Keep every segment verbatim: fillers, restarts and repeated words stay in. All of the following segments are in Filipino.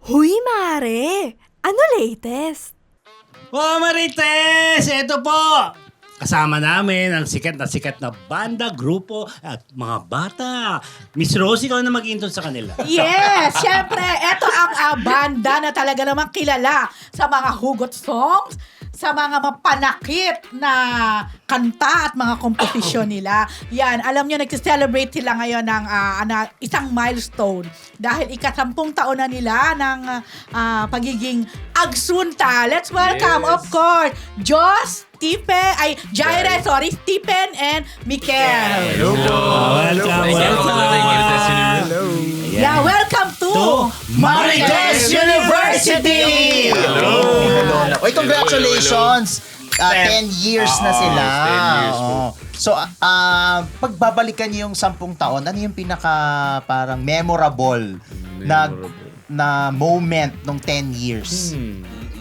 Huy, Mare! Ano latest? Oh, Marites! Ito po! Kasama namin ang sikat na sikat na banda, grupo at mga bata. Miss Rosie, ikaw na mag-intro sa kanila. Yes! Siyempre, eto ang uh, banda na talaga namang kilala sa mga hugot songs, sa mga mapanakit na kanta at mga komposisyon nila. Yan, alam nyo, nag-celebrate sila ngayon ng uh, ana, isang milestone dahil ikasampung taon na nila ng uh, pagiging Agsunta. Let's welcome, Yes. of course, Joss, Stephen, ay, Jaire, sorry, Stephen and Mikel. Hello po! Welcome, Thank you. welcome! Thank you, Destiny. Hello! Yeah, welcome to, To Marites University! Hello. Hello. Oy, congratulations! Uh, ten years na Oo, sila. ten years po. Oo. So, ah, pagbabalikan niyo yung sampung taon, ano yung pinaka parang memorable, na Memorable. na moment nung ten years? Hmm.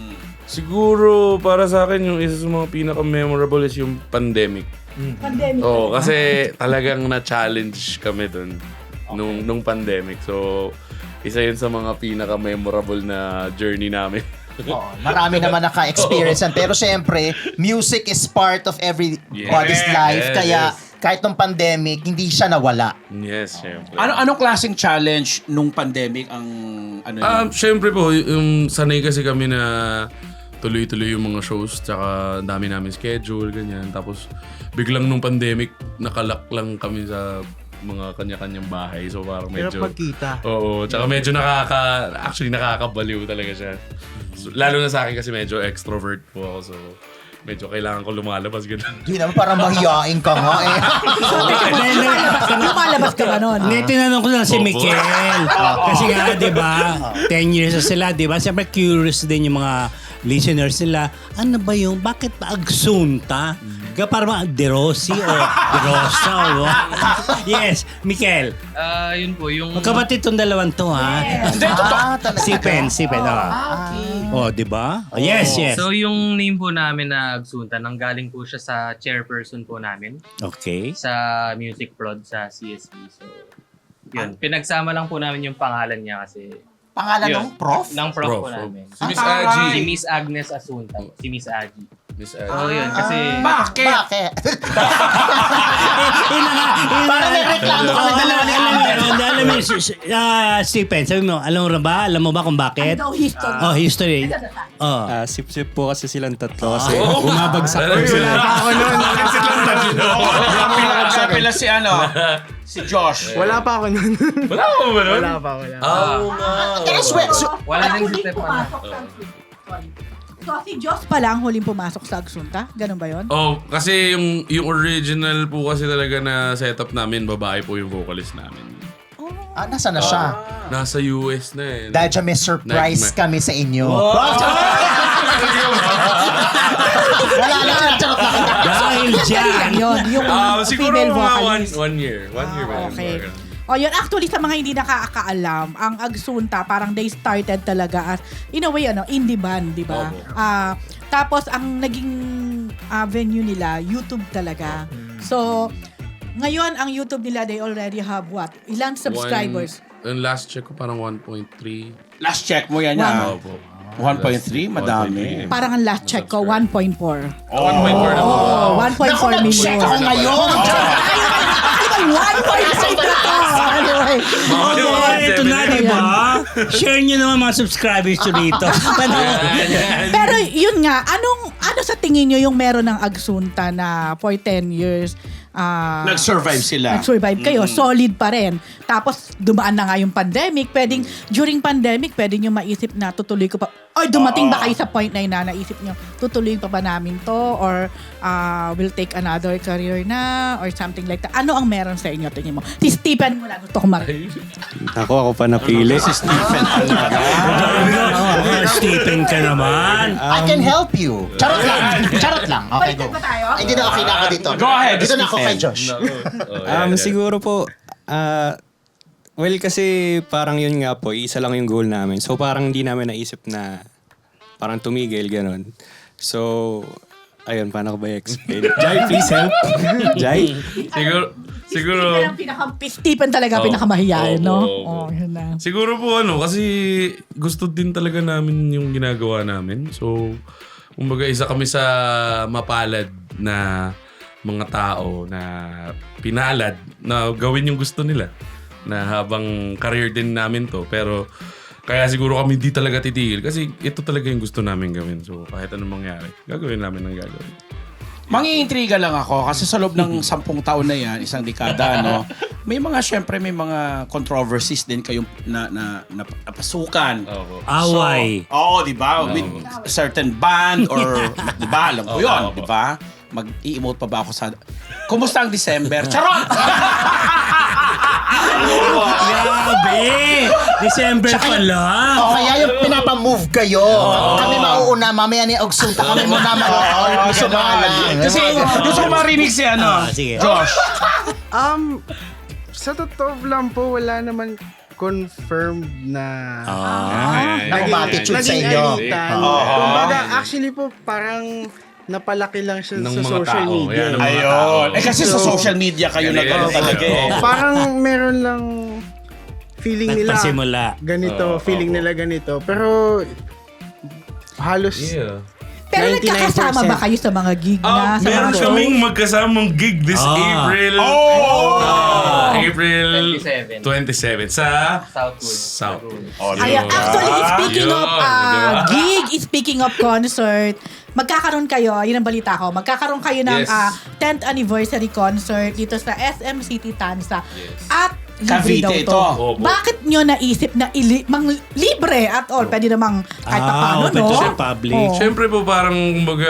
Siguro para sa akin yung isa sa mga pinaka-memorable is yung pandemic. pandemic. Oo, kasi talagang na-challenge kami dun nung, nung pandemic. So, isa yun sa mga pinaka-memorable na journey namin. Oo, marami naman naka-experience yan. Pero syempre, music is part of everybody's Yes, life. yes, Kaya yes. kahit nung pandemic, hindi siya nawala. Yes, syempre. Ano anong klaseng challenge nung pandemic ang ano yun? Um, syempre po, yung sanay kasi kami na tuloy-tuloy yung mga shows, tsaka ang dami namin schedule, ganyan. Tapos biglang nung pandemic, nakalak lang kami sa mga kanya-kanyang bahay. So parang medyo... Pero pagkita. Oo, tsaka medyo nakaka... Actually, nakakabaliw talaga siya. So, lalo na sa akin kasi medyo extrovert po ako. So medyo kailangan ko lumalabas, gano'n. Hindi naman, parang mahiyain ka nga eh. Lumalabas ka ba nun? Hindi, tinanong ko lang si Opo. Mikel. Kasi nga, di ba, ten years na sila, di ba? Siyempre, curious din yung mga listeners nila. Ano ba yung, bakit pa Agsunta? Kaya parang De Rossi o De Rosa o what? Yes, Mikel. Ah, yun po, yung... Magkapatid tong dalawang to, ha? Ah, talaga. Si Pen, si Pen. Oh, oh di ba? Oh, yes, yes. So, yung name po namin na Agsunta, nanggaling po siya sa chairperson po namin Okay. sa Music Prod sa C S B. So, yun. Pinagsama lang po namin yung pangalan niya kasi... Pangalan Yun. ng prof? Ng prof, Prof, po prof. namin. Si Miss Ah, Aji. Si Miss Agnes Asunta. Si Miss Aji. Miss Aji. So, yun. Kasi... Bakit? Bakit? Yun na nga, yun na Parang nga. may reklamo kami Oo, dalawa ni alam mo, Amber. alam mo, alam mo, si- si- ah, Stephen, sabi mo, alam mo ba? Alam mo ba kung bakit? Ano history? Oh, history. Oh. Ah, sip-sip po kasi silang tatlo kasi bumabagsak po Talaga sila. ako nun. Kapila si ano? Si Josh. Wala pa ako nun. Wala ko ba nun? Wala pa, wala pa. Ah, oo nga. Pero sweat, so, Wala din si huling Step pumasok sa Sorry. So, si Joss pa lang huling pumasok sa Agsunta? Ganun ba yun? Oh, kasi yung yung original po kasi talaga na setup namin, babae po yung vocalist namin. ah, nasa na siya? Nasa U S na eh. Dahil siya may surprise Nag- kami sa inyo. Wala na, charot lang. Dahil Yan dyan. yun, yung Ah, siguro female mga one, vocalist. one year. One year ba? yun? Okay. Mga ganun. O yun, actually sa mga hindi nakakaalam, ang Agsunta parang they started talaga as, in a way, ano, indie band, di ba? Opo. Ah, tapos ang naging ah, venue nila, YouTube talaga. So, ngayon ang YouTube nila, they already have what? Ilang subscribers? One, yung last check ko parang one point three. Last check mo yan Wow. yan. Opo. one point three? Last- Madami. Parang ang last check ko, one point four. one point four na po. Oh, one point four Naku, million. nag-check ako ngayon. one point four na to! Anyway. Oh, ito na, di ba? Share nyo naman mga subscribers nyo dito. Ano? Pero yun nga, anong ano sa tingin nyo yung meron ng Agsunta na for ten years ah, Nag-survive sila. nag-survive kayo, solid pa rin. Tapos dumaan na nga yung pandemic, pwedeng during pandemic, pwedeng nyo maisip na tutuloy ko pa. Or dumating ba kayo sa point na yun na naisip nyo, tutuloy pa ba namin to? Or ah, will take another career na? Or something like that. Ano ang meron sa inyo, tingin mo? Si Stephen muna, gusto ko marinig. Ako, ako pa napili. Oh, Stephen ka naman. I can help you. Charot lang. Charot lang. Okay, go. Baliktad ba tayo? Ay, Hindi na, okay na ako dito. Go ahead, Dito na ako kay Stephen. Josh. Um, siguro po, ah, well, kasi parang yun nga po, isa lang yung goal namin. So parang hindi namin naisip na parang tumigil, ganun. So, ayun, paano ko ba i-explain? Jai, please help. Jai? Siguro, siguro, Stephen ang pinaka, Stephen talaga Oo. pinakamahiyain, Oo, no? oo, oo. Oh, yun na. siguro po ano, kasi gusto din talaga namin yung ginagawa namin. So, kumbaga isa kami sa mapalad na mga tao na pinalad na gawin yung gusto nila. Na habang career din namin to. Pero, kaya siguro kami di talaga titigil. Kasi ito talaga yung gusto namin gawin. So, kahit anong mangyari, gagawin namin ang gagawin. Mangiintriga lang ako kasi sa loob ng sampung taon na yan, isang dekada, no? May mga, syempre, may mga controversies din kayong na, na, na, napasukan. Oo. Away. So, oo, di ba? With certain band or, di ba? Alam ko yun, di ba? Mag-i-emote pa ba ako sa... Kumusta ang December? Charot! Grabe! December pa lang. O kaya yung pinapamove kayo. Kami mauuna, mamaya ni Ogsunta kami muna mag- sumalang. Kasi gusto ko marinig si ano, Ah, sige. Josh. Um, sa totoo lang po, wala naman confirmed na Ah. Na umatitude sa naging inyo. alitan. Oo. Kumbaga, actually po, parang napalaki lang siya Ng sa mga social tao. media. Yan, ng mga Ayun. tao. Eh kasi sa So, social media kayo Ganun. nagano talaga eh. Parang meron lang feeling nila Nagpasimula. ganito, Oo, feeling oo. nila ganito. Pero halos Yeah. Pero ninety-nine percent. nagkakasama ba kayo sa mga gig na? Ah, sa meron mga kaming shows? magkasamang gig this Ah. April. Oh! Ah, April twenty-seven. twenty-seven sa Southwood. South. Ay, actually, speaking Yun, of uh, diba? gig, speaking of concert, magkakaroon kayo, yun ang balita ko, magkakaroon kayo ng Yes. uh, tenth anniversary concert dito sa S M City Tanza. Yes. At libre Cavite daw ito. to. Opo. Bakit nyo naisip na ili- mang libre at all? Pwede namang kahit pa Ah, paano, open no? to sa public. Oo. Siyempre po parang kumbaga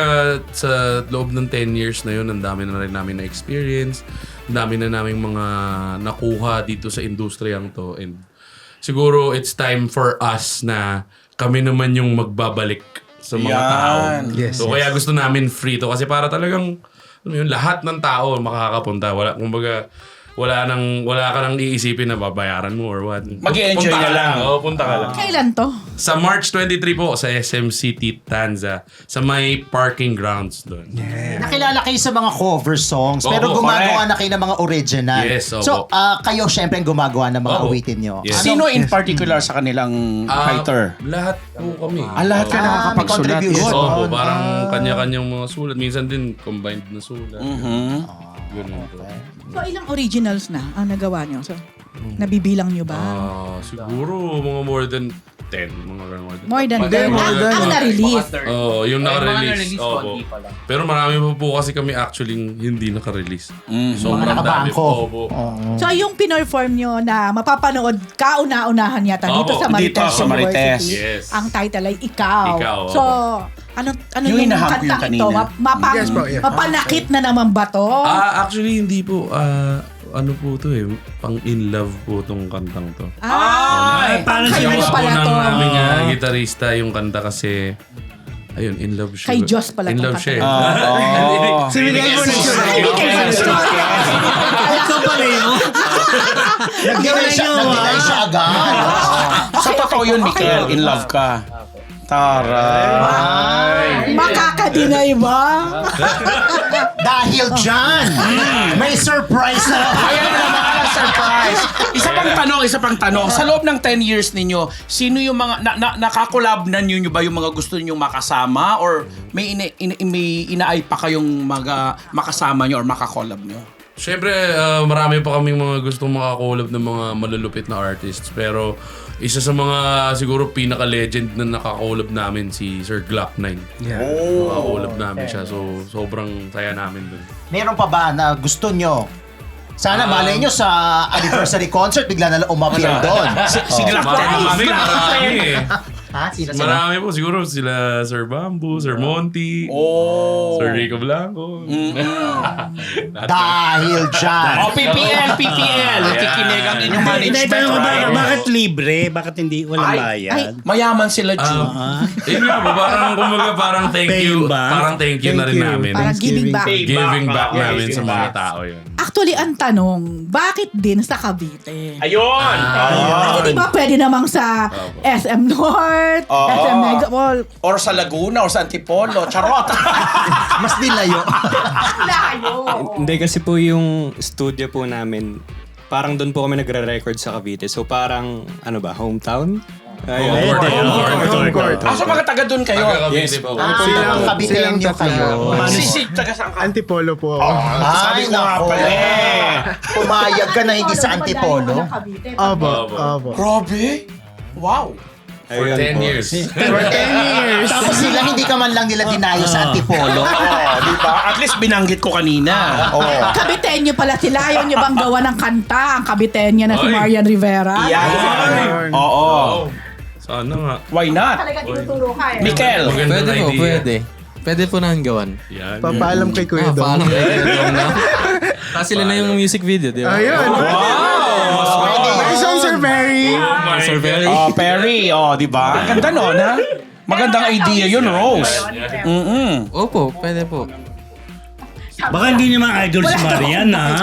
sa loob ng ten years na yun, ang dami na rin namin na experience. Ang dami na naming mga nakuha dito sa industriyang to. And siguro it's time for us na kami naman yung magbabalik sa mga Yan. tao. Yes, So kaya gusto namin free to kasi para talagang alam mo yun, lahat ng tao makakapunta. Wala, kumbaga, wala nang wala ka nang iisipin na babayaran mo or what. Mag-i-enjoy Punta ka lang. Oo, punta ka lang. Kailan to? Sa March twenty-three po sa S M City Tanza sa may parking grounds doon. Nakilala kayo sa mga cover songs, pero Opo, gumagawa correct. na kayo ng mga original. Yes, opo. So, ah, kayo syempre ang gumagawa ng mga Opo. awitin nyo. Yes. Sino in particular sa kanilang Ah, writer? Lahat po kami. Ah, lahat ka Oo. Ah, may nakakapagsulat. contribution. Yes, opo, Ah. parang kanya-kanyang mga sulat. Minsan din combined na sulat. Mhm. Ganun po. So, ilang originals na ang nagawa nyo? So, nabibilang nyo ba? Ah, siguro mga more than ten. Mga ganun, more than More than Mga- ten. more Ang, than- ang na-release. Oo, yung Eh, mga naka-release. na-release, Opo. konti pa lang. Pero marami pa po kasi kami actually hindi naka-release. Sobrang Mga nakabangko. dami. Opo. So, yung pinorform nyo na mapapanood kauna-unahan yata dito Opo, sa Marites dito sa Marites. University. Yes. Ang title ay Ikaw. Ikaw, So, ano ano Yung yung, hinahang ko yung kantang ito? kanina. Ma- mapa- Yes po, yes. Mapanakit na naman ba to? Ah, actually hindi po. Ah, ano po to eh. Pang in love po tong kantang to. Ah, Ay, paano kayo siya na Diyos po pala ng to. aming ah, gitarista yung kanta kasi ayun, in love siya. Kay Diyos pala In tong love kanta. siya. eh. Oo. Si Miguel po nagsulat. Ay, hindi kayo nagsulat. Ikaw pala yun. Nag-deny siya, nag-deny siya agad. Sa totoo yun, Mikel, in love ka. Taray. Makakadinay ba? Dahil dyan, may surprise na. Ayan na naman ang surprise. Isa pang tanong, isa pang tanong. Sa loob ng ten years ninyo, sino yung mga, na, na, nakakolab na ninyo ba yung mga gusto ninyong makasama? Or may, ina, ina, may inaay pa kayong maga, makasama nyo or makakolab nyo? Siyempre, ah, marami pa kaming mga gustong makakolab ng mga malulupit na artists. Pero isa sa mga siguro pinaka-legend na nakakolab namin si Sir Glock nine. Yeah. Nakakolab namin siya. So, sobrang saya namin dun. Meron pa ba na gusto nyo? Sana Ah. malay nyo sa anniversary concert, bigla na lang umappear doon. Si, si Glock Marami, ten. marami eh. Ha? Sino sila? Marami po. Siguro sila Sir Bamboo, Sir Monty, Oh. Sir Rico Blanco. Dahil dyan. Oh, P P L, P P L. Nakikinig ang inyong Hindi, management, tanong ko ba, right? bakit libre? Bakit hindi walang Ay, bayad? Mayaman sila, June. Ah. Yun nga po, parang kumbaga parang thank Paying you. back? Parang thank you na rin Thank you. namin. Parang giving back. Giving back Yes, namin sa giving mga back. tao yun. Actually, ang tanong, bakit din sa Cavite? Ayun! Kasi di ba pwede namang sa S M North, Desert, Oo. S M Mega Mall. Or sa Laguna or sa Antipolo. Charot! Mas dilayo. Layo. Hindi kasi po yung studio po namin, parang doon po kami nagre-record sa Cavite. So parang, ano ba, hometown? Ayun. Pwede, Home oh. court, home court. Ah, so mga taga doon kayo? Yes po. Ah, Silang- Caviteño silang kayo. tatlo. Si, si, taga saan ka? Antipolo po ako. Sabi Ay, ko nga nako. pala eh. Pumayag ka na hindi sa Antipolo. Opo, opo. Grabe! Wow! Ayun For ten po. years. For ten years. Tapos sila, hindi ka man lang nila dinayo sa Antipolo. Oh, di ba? At least binanggit ko kanina. Oh. Kabitenyo pala sila. Ayaw nyo bang gawa ng kanta? Ang kabitenyo na si Ay. Marian Rivera. Yan. Ayun. Oo. Sana nga. Why not? Talaga tinuturo ka eh. Mikel. Magandang Pwede po, idea. pwede. Pwede po namin gawan. Yan. Papaalam kay Kuya Ah, Dong. paano kayo gagawin na? Kasi sila na yung music video, di ba? Ayun. Wow! Ay, Song Sir Perry. Sir Perry. Oh, Perry. Oh, di ba? Ganda nun, ha? Magandang idea yun, Rose. Mm-mm. Opo, pwede po. Baka hindi naman idol si Marian, ha?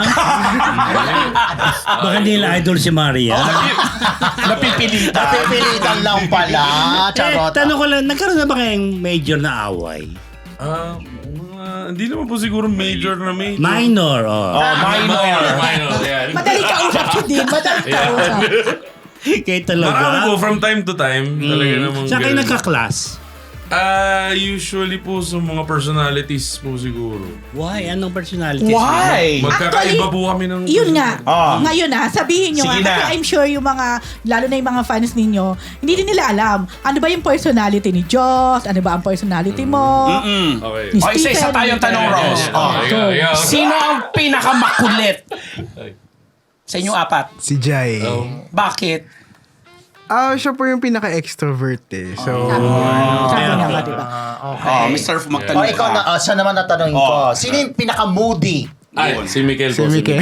Baka hindi nila idol si Marian. Napipilitan. Napipilitan lang pala. Eh, Charot. tanong ko lang, nagkaroon na ba kayong major na away? Ah, mga, hindi naman po siguro major na major. Minor, oh. Oh, minor. Minor, yan. Madali ka usap si Dean. Madali ka usap. Kaya Marami po, talaga. from time to time. Talaga namang Saan kayo ganun. nagka-class? Ah, usually po sa mga personalities po siguro. Why? Anong personality? Why? Magkakaiba po kami ng... Yun nga. Ah. Ngayon na, sabihin nyo Sige nga. na. Kasi I'm sure yung mga, lalo na yung mga fans ninyo, hindi din nila alam. Ano ba yung personality ni Joss? Ano ba ang personality mo? Mm. Okay. Ni O, isa-isa Stephen. tayong tanong, Rose. Oh. Ikaw, ikaw. Sino ang pinakamakulit sa inyong apat? Si Jai. Bakit? Ah, siya po yung pinaka-extrovert eh. So, Sabi nga ba, diba? Oh, Mister Fu, O, magtanong ikaw na, oh, siya naman natanongin ko. Oh. Sino yung pinaka-moody? Ay, si Mikel si po. Mike.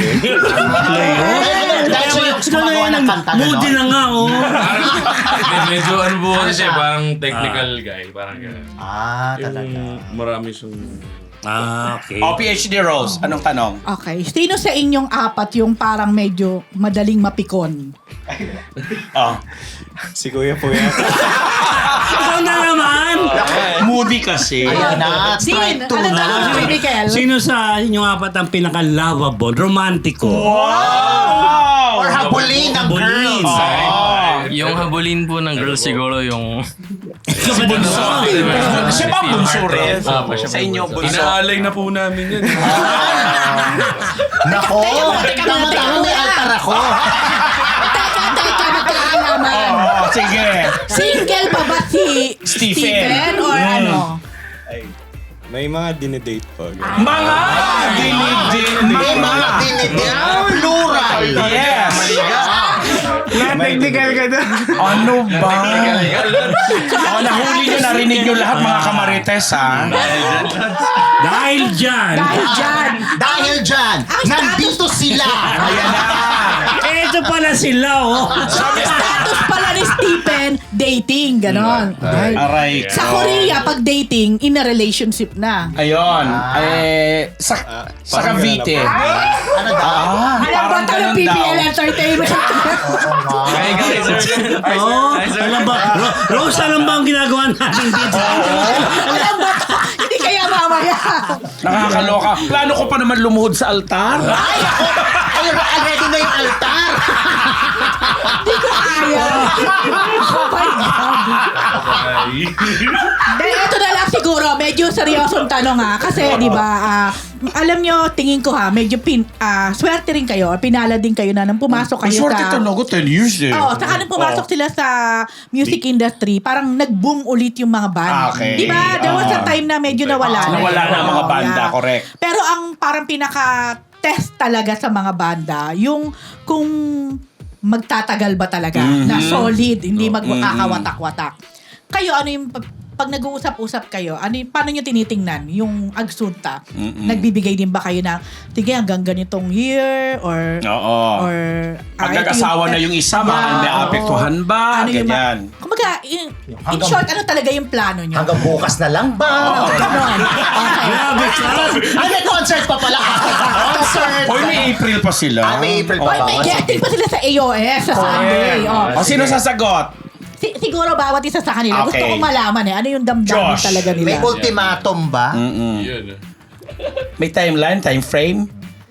Dahil siya yung gumagawa ng kanta na, Moody na nga, oh. Parang- Medyo ano po kasi siya, parang technical guy. Parang gano'n. Ah, talaga. Yung marami siyang... Ah, okay. O, P H D Rose, anong tanong? Okay. Sino sa inyong apat yung parang medyo madaling mapikon? Oh. Si Kuya po yan. Ikaw na naman! Moody kasi. Ayan na, Dean, strike two ano na. tanong kay Mikel? Sino sa inyong apat ang pinaka-lovable, romantiko? Wow! Or habulin ng Habulin. girls. Oh. Yung habulin po ng girls siguro yung... Si Bunso. Siya ba bunso rin? Ah, siya Sa inyo, bunso. Inaalay na po namin yan. Nako, tama-tama may altar ako. Teka, teka, magkaalaman. Oh, sige. Single pa ba si Stephen. Stephen or Mm. ano? May mga dinedate po. Mga dinidin. May mga dinidin. Plural. Yes. Na-technical ka doon. Ano ba? Oh, nahuli nyo, narinig nyo lahat mga kamarites, ha? Dahil dyan, Dahil dyan. Dahil dyan, nandito sila. Ayan na. eto pala sila, oh. Status pala ni Stephen, dating, ganon. Ay. Aray. Sa Korea, pag dating, in a relationship na. Ayun. Eh, sa, sa parang Cavite. ganun Ano daw? Ah, Alam ba parang tayo ganun P B L daw. Entertainment? Ay, guys, sir. Oh, alam ba? Ro- Rose, alam ba ang ginagawa natin dito? Alam ba? Hindi kaya mamaya. Nakakaloka. Plano ko pa naman lumuhod sa altar. Ay, ako. Ay, already na yung altar. Hindi ko kaya. Oh my God. Dahil ito na lang siguro, medyo seryosong tanong ha. Kasi di ba, ah, alam nyo, tingin ko ha, medyo pin, ah, swerte rin kayo, pinala din kayo na nang pumasok kayo Swerte sa... talaga, ten years eh. Oo, saka nung pumasok sila sa music industry, parang nag-boom ulit yung mga band. Ah, okay. Di ba? There was a Ah. time na medyo nawala na. Nawala na ang mga Oo, banda, yeah. correct. Pero ang parang pinaka-test talaga sa mga banda, yung kung magtatagal ba talaga, Mhm. na solid, hindi Mhm. magkakawatak-watak. Kayo, ano yung pag, pag nag-uusap-usap kayo, ano yung, paano nyo tinitingnan yung agsunta? Mhm. Nagbibigay din ba kayo ng, sige, hanggang ganitong year, or Oo. or Pag ah, ito nag-asawa na yung isa, baka Yeah, may oo. apektuhan ba? Ano yung ma- Ganyan. Kumbaga, in, in hanggang- short, ano talaga yung plano nyo? Hanggang bukas na lang ba? Ganon. Okay. Grabe ka. Ay, may concert pa pala. Concert. Hoy, may April pa sila. Ah, may April pa Hoy, ba? may Oh, getting sige. pa sila sa A O S sa Sunday. Oh. O, sino sasagot? si- siguro bawat isa sa kanila. Gusto Okay. ko malaman eh. Ano yung damdamin Josh, talaga nila. May ultimatum ba? Mm-mm. Yun. May timeline, time frame?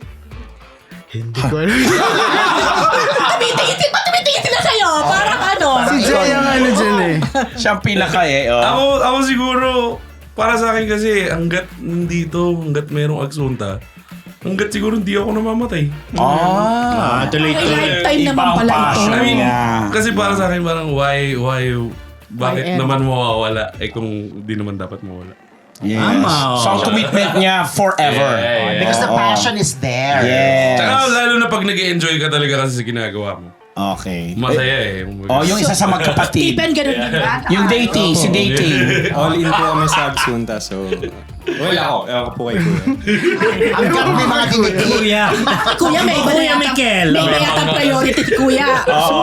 Hindi ko alam. Tumitingin, ba't tumitingin sila sa'yo? Parang ano? Si Jay ang ano dyan eh. Siya ang pinaka eh. Oh. Ako, ako siguro, para sa akin kasi, hanggat nandito, hanggat merong agsunta, hanggat siguro hindi ako namamatay. Ah, Ah, tuloy-tuloy. May lifetime naman Ibang pala ito. passion I mean, niya. kasi para sa akin parang why, why, bakit Why naman mawawala eh kung di naman dapat mawala. Yes. Tama, oh. So, ang commitment niya forever. Yeah, yeah. Because the Oo. passion is there. Yes. Tsaka lalo na pag nag-enjoy ka talaga kasi sa ginagawa mo. Okay. Masaya eh. Oh, yung isa sa magkapatid. Stephen, ganun din ba? Yung dating, si dating. All in po kami sa Agsunta, so... Wala ako. Ewan ko po kay Kuya. Hanggang may mga dinigil. Kuya. Si Kuya, may iba na Kuya yatang, Mikel. may iba yatang priority si Kuya. Oo.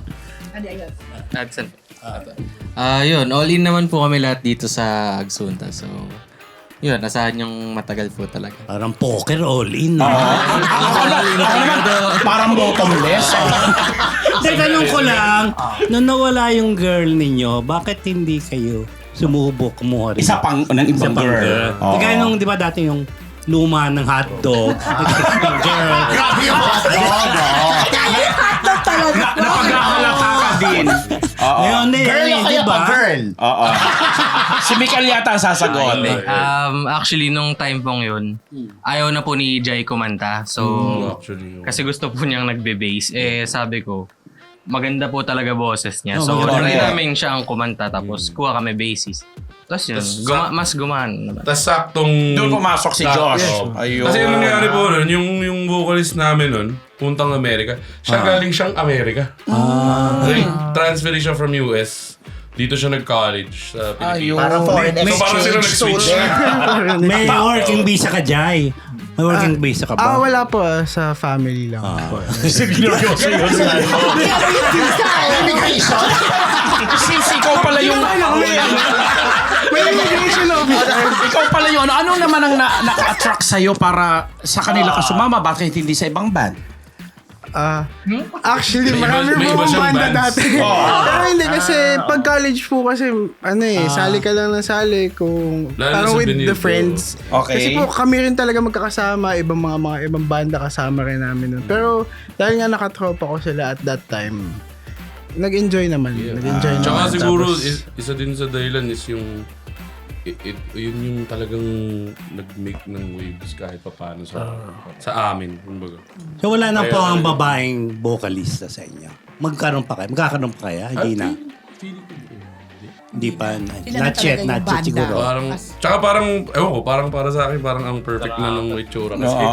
Adson. Ah, yun. All in naman po kami lahat dito sa Agsunta. So, yun. Asahan yung matagal po talaga. Parang poker all-in. Oo. Ah. Ako na- ako naman, parang bottomless. Hindi, tanong ko lang, nung nawala yung girl ninyo, bakit hindi kayo sumubok kumuha rin? Isa pang ng Isa ibang pang girl. girl. Oo. Kaya nung, di ba dati yung luma ng hotdog, ng girl. Grabe yung hotdog. Hotdog talaga. Na, napagkakalata ka din. Oo. Ngayon eh, Girl o di kaya ba? pa girl? Oo. Si Mikael yata ang sasagot. Hindi. Um, actually, nung time pong yun, ayaw na po ni Jai kumanta. So, Actually. kasi gusto po niyang nagbe-bass. Eh, sabi ko, maganda po talaga boses niya. Oh, So, maganda. try namin siya ang kumanta. Tapos, kuha kami bassist. Tapos yun, Tas- guma- mas gumaan naman. Tapos saktong... Doon pumasok si Josh. Oo. Ayun. Kasi yung nangyari po nun, yung, yung vocalist namin nun, puntang Amerika, siya galing siyang Amerika. Ah. Transfer siya from U S. Dito siya nag-college sa Pilipinas. Ayun. Para foreign So parang sila exchange nag-switch. student. May working visa ka, Jai. May working visa ka Ah, ba? wala po. ah, Sa family lang po. Seryoso yun. Immigration. Since ikaw pala yung... May immigration officer. Ikaw pala yung ano, ano naman ang na, naka-attract sa'yo para sa kanila ka sumama? Bakit hindi sa ibang band? Ah, actually, May iba- marami may po iba akong siyang banda bands. dati. Pero hindi kasi pag college po kasi ano eh, sali ka lang ng sali kung Lalo parang sa with Benito. the friends. Okay. Kasi po kami rin talaga magkakasama, ibang mga mga ibang banda kasama rin namin nun. Pero dahil nga nakatropa ko sila at that time, nag-enjoy naman. Nag-enjoy Tsaka naman. siguro, Tapos, is- isa din sa dahilan is yung it, it, yun yung talagang nag-make ng waves kahit papaano sa sa amin. Kumbaga. So wala na Kaya- po ang babaeng vocalista sa inyo. Magkaroon pa kayo? Magkakaroon pa kaya? Hindi na. Hindi pa. Sila na Not yet, talaga yung not yet banda. siguro. Parang, tsaka parang, ewan ko, parang para sa akin, parang ang perfect na ng itsura kasi. Oo.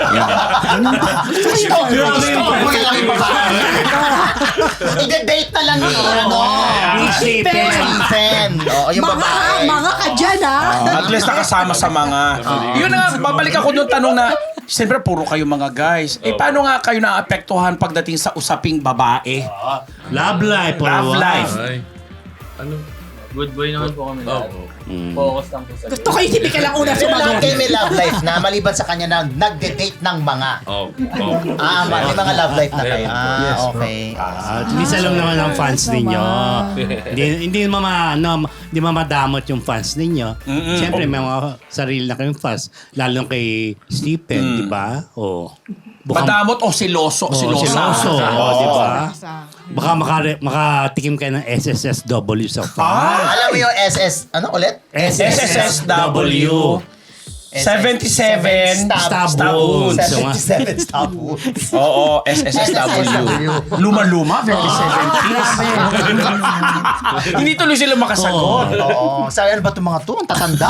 I-date na lang ni ano. Stephen. Stephen. Oo, yung Mga, babae. mga ka dyan, ha? At least nakasama sa mga... Yun na nga, babalik ako doon tanong na, siyempre puro kayo mga guys. Eh paano nga kayo naapektuhan pagdating sa usaping babae? Love life. or Love what? life. Ay, ano? Good boy naman po kami lahat. Oh, Focus lang po sa Gusto ko yung si Mikael ang una Pero lahat sumagot. kayo may love life na maliban sa kanya na nagde-date ng mga. oh, oh. Ah, may mga love life na kayo. Ah, okay. Ah, at least alam naman ng fans ninyo. hindi hindi mama ano, hindi mamadamot yung fans ninyo. Siyempre may mga sarili na kayong fans, lalo kay Stephen, di ba? Oh. Baka Madamot o siloso? oh, silosa. siloso, oh, di ba? Sa- Baka makare, makatikim kayo ng S S S W sa fans. Alam mo yung S S, ano ulit? S S S W. seventy-seven Stab- Stab wounds. seventy-seven stab wounds. Oo, S S S W. Luma-luma, very seventies. Hindi tuloy sila makasagot. Oo. Sabi, ano ba itong mga to? Ang tatanda.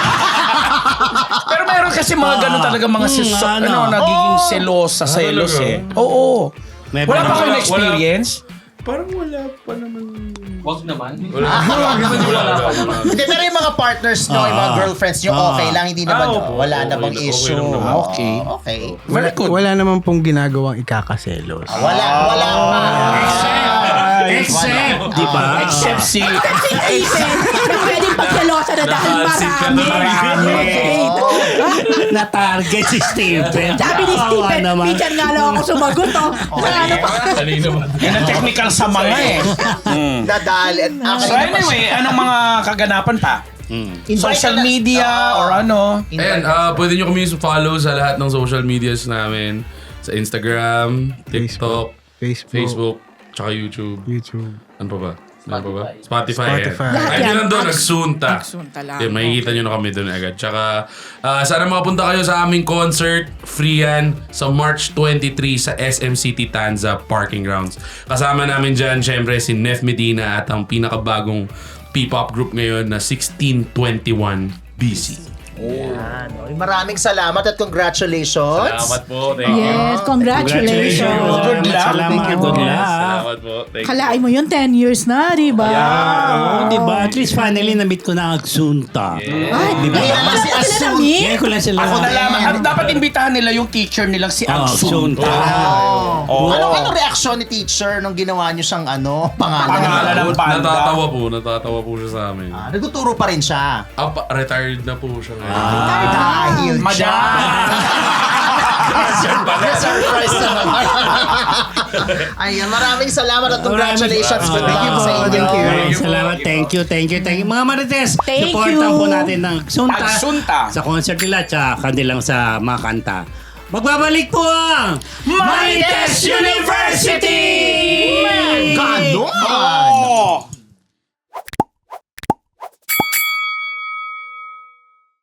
Pero meron kasi mga ganun talaga mga Hmm, siso, ano? ano, nagiging selosa, selos talaga? eh. Oo. May Wala pa mga- kayo wala- experience? Parang wala pa naman. Wag naman. Wala, wala, wala pa naman. Hindi, pero yung mga partners nyo, yung mga Ah. girlfriends nyo, Ah. okay lang. Hindi naman, Ah, opo. wala Okay namang lang- okay issue. lang naman. Ah, okay. Oo, okay. Very good. Wala naman pong ginagawang ikakaselos. Wala, wala pa. Except, di ba? Except si... Si Stephen, na pwedeng pagselosa na dahil Nakapansin ka marami. na Okay. Na-target si Stephen. Sabi ni Kawawa Stephen, naman. minsan nga lang ako sumagot, oh. Ano pa? Kanina ba? Yan ang technical sa mga eh. Mm. Nadali. Ah, So kanina pa- anyway, anong mga kaganapan pa? Mm. Invite Social na- media Oo. or ano? Ayan, ah, pwede nyo kami follow sa lahat ng social medias namin. Sa Instagram, TikTok, Facebook. Facebook, tsaka YouTube. YouTube. Ano pa ba? Ano pa ba? Spotify. Spotify. Ayan. Lahat Ay, yan. lang doon, Ag- nagsunta. Nagsunta lang. Ayan, makikita nyo na kami doon agad. Tsaka, ah, sana makapunta kayo sa aming concert, free yan, sa March twenty-third sa S M City Tanza Parking Grounds. Kasama namin dyan, syempre, si Nef Medina at ang pinakabagong P-pop group ngayon na sixteen twenty-one B C. Yan. Oy, maraming salamat at congratulations. po. Thank Yes, congratulations. Good luck. Salamat. Thank you Good po. luck. po. Thank Kalain mo yun, ten years na, di ba? Oo, di ba? At least finally na-meet ko na ang Agsunta. Ay, Di ba? Kaya lang si Sila Asun. na-meet? Ngayon ko lang sila. Ako nalaman. At dapat imbitahan nila yung teacher nilang si Oh, Agsun. Agsunta. Oh. Ano ano reaksyon ni teacher nung ginawa niyo siyang ano, pangalan? Pangalan ng banda. Natatawa po. Natatawa po siya sa amin. Ah, nagtuturo pa rin siya. Ah, pa- retired na po siya ngayon. Dahil siya. Surprise na naman. Ayan, maraming salamat at congratulations. Good Thank luck you po. sa inyo. Thank you. Maraming Salamat. Thank you, thank you, thank you. Mga Marites, Thank supportan you. po natin ng Agsunta, Agsunta. sa concert nila at sa kanilang sa mga kanta. Magbabalik po ang Marites University! Ganon!